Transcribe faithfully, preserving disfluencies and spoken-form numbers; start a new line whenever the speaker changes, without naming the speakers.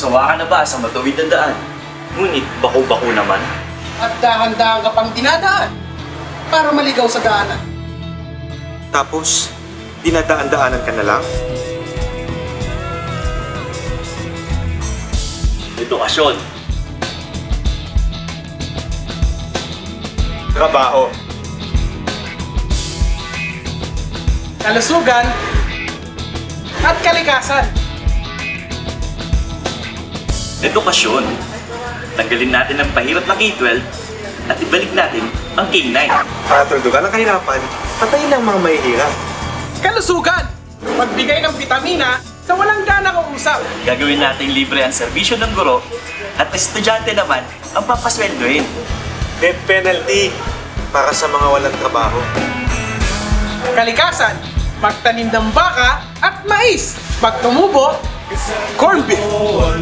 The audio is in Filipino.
Sawa ka na ba sa matuwid na daan? Ngunit bako-bako naman.
At dahan-dahan ka pang dinadaan para maligaw sa daanan.
Tapos, dinadaan-daanan ka na lang?
Edukasyon.
Trabaho.
Kalusugan at kalikasan.
Edukasyon. Tanggalin natin ang pahirap na K twelve at ibalik natin ang K nine.
Para tuldugan ang kahirapan, patayin ang mga mahihirap.
Kalusugan. Magbigay ng bitamina sa walang gana kausap.
Gagawin natin libre ang serbisyo ng guro at estudyante naman ang papasweldohin.
Death penalty para sa mga walang trabaho.
Kalikasan. Magtanim ng baka at mais. Pag tumubo, corn beef.